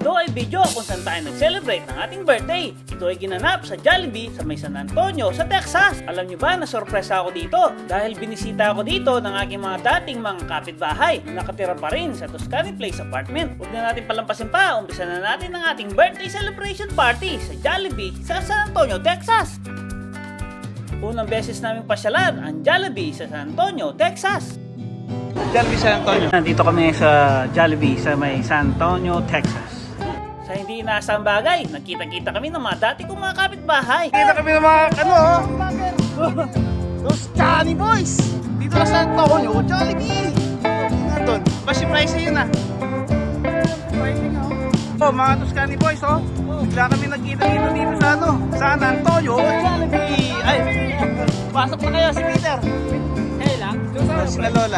Ito ay video kung saan tayo nag-celebrate ng ating birthday. Ito ay ginanap sa Jollibee sa may San Antonio sa Texas. Alam niyo ba na sorpresa ako dito dahil binisita ako dito ng aking mga dating mga kapitbahay na nakatira pa rin sa Tuscany Place apartment. Huwag na natin palampasin pa, umpisa na natin ang ating birthday celebration party sa Jollibee sa San Antonio, Texas. Unang beses namin pasyalan ang Jollibee sa San Antonio, Texas. Jollibee San Antonio. Nandito kami sa Jollibee sa may San Antonio, Texas. Sa hindi inaasang bagay, nakita-kita kami ng mga dati kong mga kapitbahay. Kita kami ng mga Tuscany boys. Dito na San Antonio, Jollibee. Nandun. Basi price yun ah. Oh, mga Tuscany boys oh. Bigla kami nagkita-kita dito sa San Antonio, Jollibee. Ay, pasok na kayo si Peter. Hey lang. Si Lola.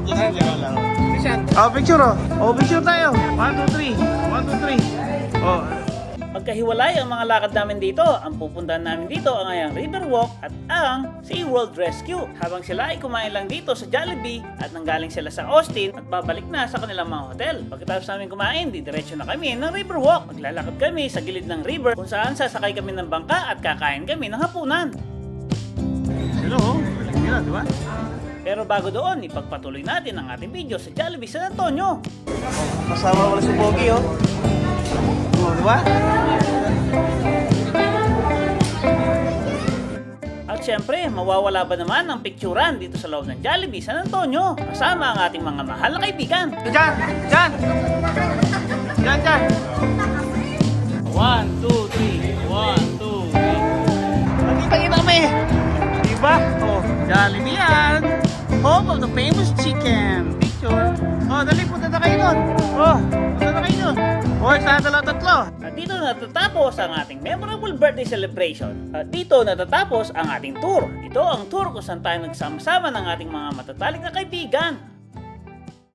Oh, picture oh. Oh, picture tayo. 1, 2, 3. 1, 2, 3. Oh. Pagkahiwalay ang mga lakad namin dito, ang pupuntahan namin dito ang ayang Riverwalk at ang SeaWorld Rescue. Habang sila ay kumain lang dito sa Jollibee at nanggaling sila sa Austin at babalik na sa kanilang mga hotel. Pagkatapos namin kumain, didiretso na kami ng Riverwalk. Maglalakad kami sa gilid ng river kung saan sasakay kami ng bangka at kakain kami ng hapunan. Hello, balik nila, di ba? Pero bago doon, ipagpatuloy natin ang ating video sa Jollibee San Antonio. Kasama wala si Pogi oh. Oh, di ba? At syempre, mawawala ba naman ang picturean dito sa loob ng Jollibee San Antonio kasama ang ating mga mahal na kaibigan. Diyan! Diyan! Diyan, diyan! 1, 2, 3. 1, 2, 3. Nakita-kita kami! Diba? Oh, Jollibee yan! Home of the famous chicken! Picture! Oh, dali, punta na kayo nun! Oh, punta na kayo nun! Oh, isa, dalawa, tatlo! At dito natatapos ang ating memorable birthday celebration. At dito natatapos ang ating tour. Ito ang tour kung saan tayo nagsama-sama ng ating mga matatalik na kaibigan.